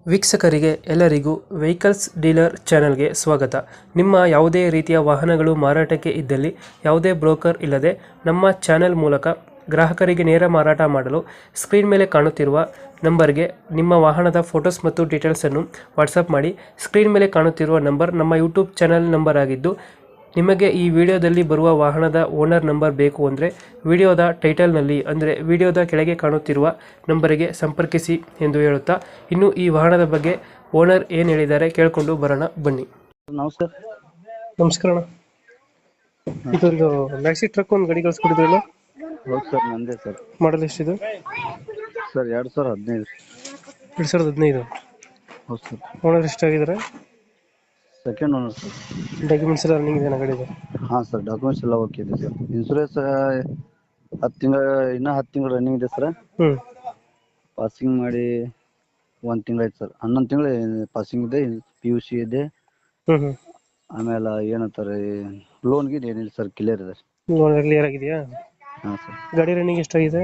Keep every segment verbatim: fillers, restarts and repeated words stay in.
ವೀಕ್ಷಕರಿಗೆ ಎಲ್ಲರಿಗೂ vehicles dealer ಚಾನೆಲ್ಗೆ ಸ್ವಾಗತ. ನಿಮ್ಮ ಯಾವುದೇ ರೀತಿಯ ವಾಹನಗಳು ಮಾರಾಟಕ್ಕೆ ಇದ್ದಲ್ಲಿ ಯಾವುದೇ ಬ್ರೋಕರ್ ಇಲ್ಲದೆ ನಮ್ಮ ಚಾನೆಲ್ ಮೂಲಕ ಗ್ರಾಹಕರಿಗೆ ನೇರ ಮಾರಾಟ ಮಾಡಲು ಸ್ಕ್ರೀನ್ ಮೇಲೆ ಕಾಣುತ್ತಿರುವ ನಂಬರ್ಗೆ ನಿಮ್ಮ ವಾಹನದ ಫೋಟೋಸ್ ಮತ್ತು ಡೀಟೇಲ್ಸನ್ನು ವಾಟ್ಸಪ್ ಮಾಡಿ. ಸ್ಕ್ರೀನ್ ಮೇಲೆ ಕಾಣುತ್ತಿರುವ ನಂಬರ್ ನಮ್ಮ ಯೂಟ್ಯೂಬ್ ಚಾನೆಲ್ ನಂಬರ್ ಆಗಿದ್ದು, ನಿಮಗೆ ಈ ವಿಡಿಯೋದಲ್ಲಿ ಬರುವ ವಾಹನದ ಓನರ್ ನಂಬರ್ ಬೇಕು ಅಂದರೆ ವಿಡಿಯೋದ ಟೈಟಲ್ನಲ್ಲಿ ಅಂದರೆ ವಿಡಿಯೋದ ಕೆಳಗೆ ಕಾಣುತ್ತಿರುವ ನಂಬರಿಗೆ ಸಂಪರ್ಕಿಸಿ ಎಂದು ಹೇಳುತ್ತಾ, ಇನ್ನು ಈ ವಾಹನದ ಬಗ್ಗೆ ಓನರ್ ಏನು ಹೇಳಿದ್ದಾರೆ ಕೇಳಿಕೊಂಡು ಬರೋಣ ಬನ್ನಿ. ನಮಸ್ಕಾರ. ನಮಸ್ಕಾರ ಅಣ್ಣ. ಇದೊಂದು ಮ್ಯಾಕ್ಸಿ ಟ್ರಕ್ ಒಂದು ಗಾಡಿ ಕಳಿಸ್ಕೊಟ್ಟಿದ್ರಲ್ಲ? ಹೌದು ಸರ್, ನಂದೇ ಸರ್. ಮಾಡಲ್ ಎಷ್ಟಿದೆ ಸರ್ ಎರಡು ಸಾವಿರ ಹದಿನೈದು. ಎರಡು ಸಾವಿರದ ಹದಿನೈದು. ಹೌದು ಸರ್. ಓನರ್ ಎಷ್ಟಾಗಿದ್ದಾರೆ? Second owner sir. ಡಾಕ್ಯುಮೆಂಟ್ಸ್ ಎಲ್ಲ ರನ್ನಿಂಗ್ ಇದೆ ಗಾಡಿದು? ಹಾಂ ಸರ್, ಡಾಕ್ಯುಮೆಂಟ್ಸ್ ಎಲ್ಲ ಓಕೆ ಇದೆ ಸರ್. ಇನ್ಸೂರೆನ್ಸ್ ಹತ್ತು ತಿಂಗಳ ಇನ್ನೂ ಹತ್ತು ತಿಂಗಳು ರನ್ನಿಂಗ್ ಇದೆ ಸರ್. ಹ್ಞೂ ಪಾಸಿಂಗ್ ಮಾಡಿ ಒಂದು ತಿಂಗಳಾಯ್ತು ಸರ್. ಹನ್ನೊಂದು ತಿಂಗಳು ಪಾಸಿಂಗ್ ಇದೆ, ಪಿ ಯು ಸಿ ಇದೆ. ಹ್ಞೂ ಹ್ಞೂ ಆಮೇಲೆ ಏನಂತಾರೆ, ಲೋನ್ಗೆ ಏನಿಲ್ಲ ಸರ್, ಕ್ಲಿಯರ್ ಇದೆ. ಲೋನ್ ಕ್ಲಿಯರ್ ಆಗಿದೆಯಾ? ಹಾಂ ಸರ್. ಗಾಡಿ ರನ್ನಿಂಗ್ ಎಷ್ಟಾಗಿದೆ?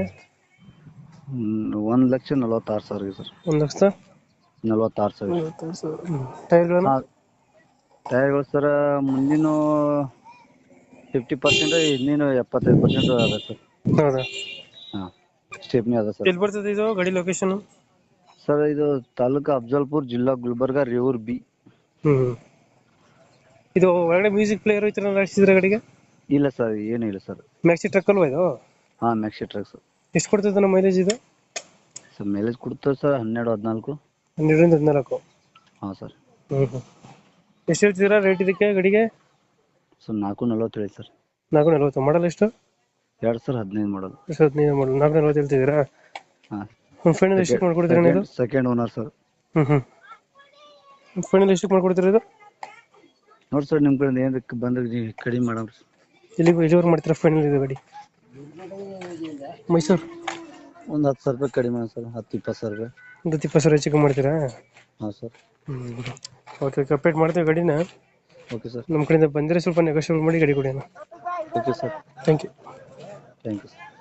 ಒಂದು ಲಕ್ಷ ನಲ್ವತ್ತಾರು ಸಾವಿರ ಸರ್. ಒಂದು ಲಕ್ಷದ ನಲ್ವತ್ತಾರು ಸಾವಿರ. ನಲವತ್ತಾರು ಸಾವಿರ. ಟೈರ್ಗಳನ್ನು? ಹಾಂ, ಟೈರ್ಗಳು ಸರ್ ಮುಂದಿನ ಫಿಫ್ಟಿ ಪರ್ಸೆಂಟ್, ಇನ್ನೇನು ಎಪ್ಪತ್ತೈದು ಪರ್ಸೆಂಟ್ ಅದ ಸರ್. ಹೌದಾ? ಹಾಂ, ಸ್ಟೆಪ್ನಿ ಅದ ಸರ್. ಎಲ್ಲಿ ಬರ್ತದೆ ಇದು ಗಾಡಿ ಲೊಕೇಶನ್? ಸರ್ ಇದು ತಾಲೂಕು ಅಫಜಲ್ಪುರ್, ಜಿಲ್ಲಾ ಗುಲ್ಬರ್ಗ, ರೇವೂರ್ ಬಿ. ಹ್ಞೂ ಇದು ಒಳಗಡೆ ಮ್ಯೂಸಿಕ್ ಪ್ಲೇಯರ್ ಈ ಥರ ಹಾಕ್ಸಿದ್ರೆ ಗಾಡಿಗೆ? ಇಲ್ಲ ಸರ್, ಏನೂ ಇಲ್ಲ ಸರ್. ಮ್ಯಾಕ್ಸಿ ಟ್ರಕ್ ಅಲ್ವಾ ಇದು? ಹಾಂ, ಮ್ಯಾಕ್ಸಿ ಟ್ರಕ್ ಸರ್. ಎಷ್ಟು ಕೊಡ್ತದೆ ನಮ್ಮ ಮೈಲೇಜ್ ಇದು? ಸರ್ ಮೈಲೇಜ್ ಕೊಡ್ತದೆ ಸರ್ ಹನ್ನೆರಡು ಹದಿನಾಲ್ಕು. ಹನ್ನೆರಡರಿಂದ ಹದಿನಾಲ್ಕು. ಹಾಂ ಸರ್. ಹ್ಞೂ ಹ್ಞೂ ಎಷ್ಟು ಹೇಳ್ತಿದ್ದೀರಾ ರೇಟ್ ಇದಕ್ಕೆ ಗಾಡಿಗೆ? ಸರ್ ನಾಲ್ಕು ನಲ್ವತ್ತು ಹೇಳಿ ಸರ್. ನಾಲ್ಕು ನಲ್ವತ್ತು. ಮಾಡಲ್ ಎಷ್ಟು? ಎರಡು ಸಾವಿರ ಹದಿನೈದು ಮಾಡಲ್. ಎಷ್ಟು ಹದಿನೈದು ಮಾಡಲ್, ನಾಲ್ಕು ನಲ್ವತ್ತು ಹೇಳ್ತಿದ್ದೀರಾ? ಹಾಂ. ಫೈನಲ್ ಎಷ್ಟಕ್ಕೆ ಮಾಡ್ಕೊಡ್ತೀರಾ ನೀವು? Second owner sir. ಹ್ಞೂ ಹ್ಞೂ ಫೈನಲ್ ಎಷ್ಟಕ್ಕೆ ಮಾಡ್ಕೊಡ್ತೀರಾ ಇದು? ನೋಡಿ ಸರ್, ನಿಮ್ಮ ಕಡೆ ಏನಕ್ಕೆ ಬಂದ್ರೆ ಕಡಿಮೆ ಮಾಡೋಣ. ಎಲ್ಲಿಗೆ ಎಲ್ಲಿವರೆಗೆ ಮಾಡ್ತೀರಾ ಫೈನಲ್ ಇದು ಗಾಡಿ? ಮೈಸೂರು. ಒಂದು ಹತ್ತು ಸಾವಿರ ರೂಪಾಯಿ ಕಡಿಮೆ ಸರ್, ಹತ್ತು ಇಪ್ಪತ್ತು ಸಾವಿರ ರೂಪಾಯಿ. ಒಂದು ಹತ್ತು ಇಪ್ಪತ್ತು ಸಾವಿರ ಹೆಚ್ಚಿಗೆ ಮಾಡ್ತೀರಾ? ಹಾಂ ಸರ್. ಹ್ಞೂ ಓಕೆ, ಕಂಪ್ಲೀಟ್ ಮಾಡ್ತೀವಿ ಗಾಡಿನ. Okay sir. ನಮ್ಮ ಕಡೆಯಿಂದ ಬಂದರೆ ಸ್ವಲ್ಪ ನೆಗೋಷಿಯೇಟ್ ಮಾಡಿ ಗಾಡಿ ಕೊಡಿ. Okay sir. Thank you. Thank you sir.